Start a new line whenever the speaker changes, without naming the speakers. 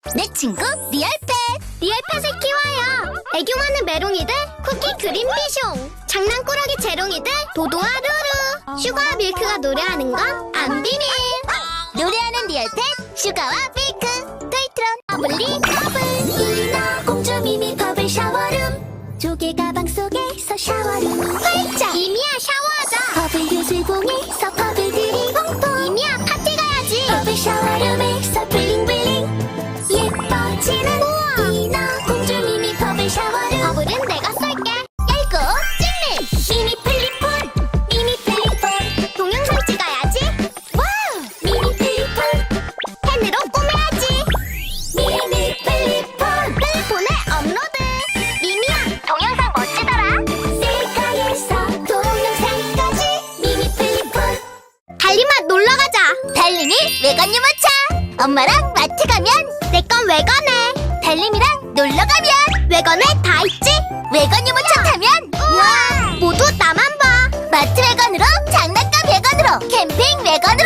내 친구 리얼펫.
리얼펫을 키워요. 애교 많은 메롱이들 쿠키 그린 비숑. 장난꾸러기 재롱이들 도도와 루루. 슈가와 밀크가 노래하는 건 안 비밀.
노래하는 리얼펫 슈가와 밀크. 토이트론
버블리 버블. 이나 공주 미미 버블 샤워룸. 조개 가방 속에서 샤워룸. 활짝. 이미야 샤워하자. 버블 요술봉에서 버블들이 퐁퐁. 이미야 파티 가야지. 버블 샤워룸에서 블링블링. 예뻐지는 이나 공주 미미 버블 샤워룸. 버블은 내가 쏠게. 얇고 찔림. 미니 플립폰. 미니 플립폰. 동영상 찍어야지. 와우. 미니 플립폰. 펜으로 꾸며야지. 미니 플립폰. 플립폰에 업로드. 미미야 동영상 멋지더라. 셀카에서 동영상까지. 미니 플립폰. 달리맛 놀러가자.
달림이 외관 유모차. 엄마랑 마트 가면
내 건 외관에.
달림이랑 놀러 가면
외관에 다 있지.
외관 유모차 타면
우와 모두 나만 봐.
마트 외관으로 장난감 외관으로 캠핑 외관